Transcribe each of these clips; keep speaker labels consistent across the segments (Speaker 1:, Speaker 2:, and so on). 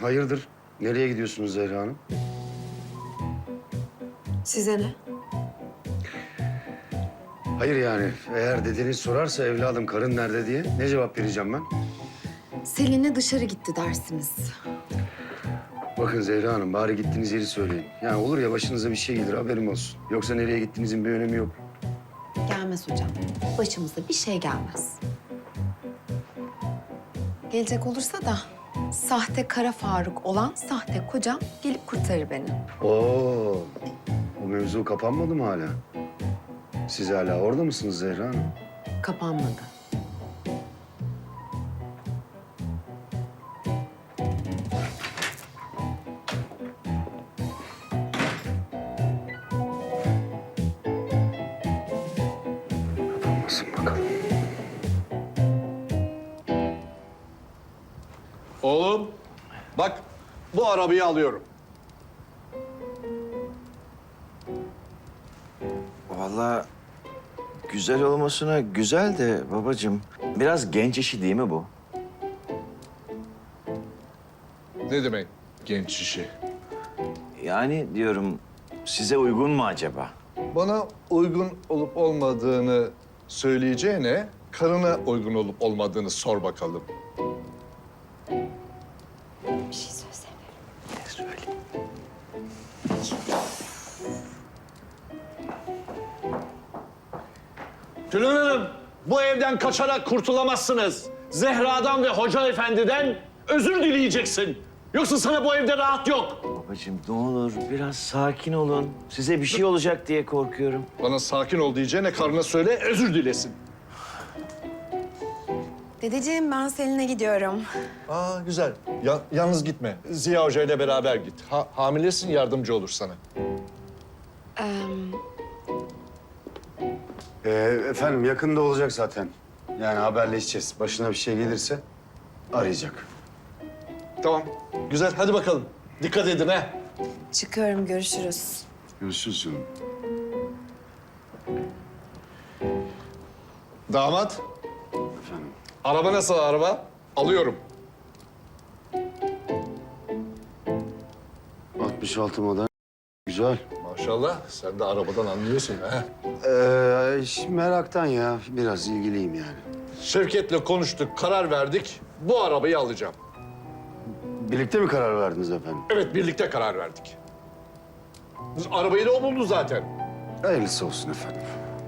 Speaker 1: Hayırdır? Nereye gidiyorsunuz Zehra Hanım?
Speaker 2: Size ne?
Speaker 1: Hayır yani eğer dedeniz sorarsa evladım karın nerede diye ne cevap vereceğim ben?
Speaker 2: Selin'le dışarı gitti dersimiz.
Speaker 1: Bakın Zehra Hanım bari gittiğiniz yeri söyleyin. Yani olur ya başınıza bir şey gelir haberim olsun. Yoksa nereye gittiğinizin bir önemi yok.
Speaker 2: Gelmez hocam. Başımıza bir şey gelmez. Gelecek olursa da sahte Kara Faruk olan sahte kocam gelip kurtarır beni.
Speaker 1: Oo, o mevzu kapanmadı mı hala? Siz hala orada mısınız Zehra Hanım?
Speaker 2: Kapanmadı.
Speaker 1: Kapanmasın bakalım.
Speaker 3: Oğlum, bak bu arabayı alıyorum.
Speaker 4: Vallahi güzel olmasına güzel de babacığım. Biraz genç işi değil mi bu?
Speaker 3: Ne demek genç işi?
Speaker 4: Yani diyorum size uygun mu acaba?
Speaker 3: Bana uygun olup olmadığını söyleyeceğine karına uygun olup olmadığını sor bakalım.
Speaker 2: Bir şey söylesene.
Speaker 4: Ne söyleyeyim?
Speaker 5: Tülin Hanım, bu evden kaçarak kurtulamazsınız. Zehra'dan ve Hoca Efendi'den özür dileyeceksin. Yoksa sana bu evde rahat yok.
Speaker 4: Babacığım ne olur biraz sakin olun. Size bir şey olacak diye korkuyorum.
Speaker 3: Bana sakin ol diyeceğine karına söyle özür dilesin.
Speaker 2: Dedeciğim ben Selin'e gidiyorum.
Speaker 3: Aa güzel. Yalnız gitme. Ziya Hoca ile beraber git. Hamilesin yardımcı olur sana.
Speaker 1: Efendim yakında olacak zaten. Yani haberleşeceğiz. Başına bir şey gelirse arayacak.
Speaker 3: Tamam. Güzel hadi bakalım. Dikkat edin ha.
Speaker 2: Çıkıyorum, görüşürüz.
Speaker 1: Görüşürüz canım.
Speaker 3: Damat.
Speaker 1: Efendim.
Speaker 3: Araba nasıl araba? Alıyorum.
Speaker 1: 66 model. Güzel.
Speaker 3: Maşallah sen de arabadan anlıyorsun ha.
Speaker 1: Meraktan ya. Biraz ilgiliyim yani.
Speaker 3: Şevket'le konuştuk, karar verdik. Bu arabayı alacağım.
Speaker 1: Birlikte mi karar verdiniz efendim?
Speaker 3: Evet, birlikte karar verdik. Arabayı da o buldu zaten.
Speaker 1: Hayırlısı olsun efendim.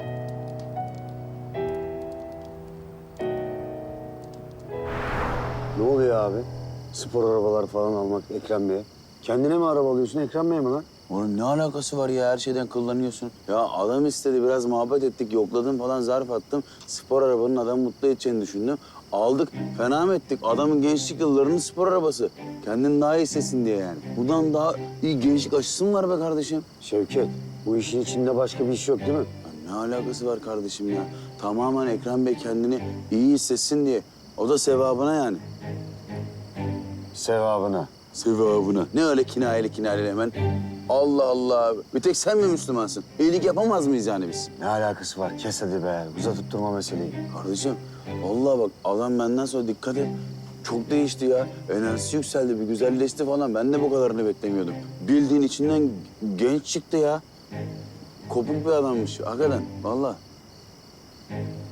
Speaker 1: Ne oluyor abi? Spor arabalar falan almak Ekrem Bey'e. Kendine mi araba alıyorsun Ekrem Bey'e mi lan?
Speaker 6: Oğlum ne alakası var ya? Her şeyden kullanıyorsun. Ya adam istedi, biraz muhabbet ettik, yokladım falan, zarf attım. Spor arabanın adamı mutlu edeceğini düşündüm. Aldık, fena mı ettik? Adamın gençlik yıllarının spor arabası. Kendini daha iyi hissetsin diye yani. Bundan daha iyi gençlik aşısı mı var be kardeşim?
Speaker 1: Şevket, bu işin içinde başka bir iş yok değil mi?
Speaker 6: Ya ne alakası var kardeşim ya? Tamamen Ekrem Bey kendini iyi hissetsin diye. O da sevabına yani.
Speaker 1: Sevabına.
Speaker 6: Sevabına. Ne öyle kinayeli hemen? Allah Allah. Bir tek sen mi Müslümansın? İyilik yapamaz mıyız yani biz?
Speaker 1: Ne alakası var? Kes hadi be. Uzatıp durma meseleyi.
Speaker 6: Kardeşim, vallahi bak adam benden sonra dikkat et. Çok değişti ya. Enerjisi yükseldi, bir güzelleşti falan. Ben de bu kadarını beklemiyordum. Bildiğin içinden genç çıktı ya. Kopuk bir adammış hakikaten, vallahi.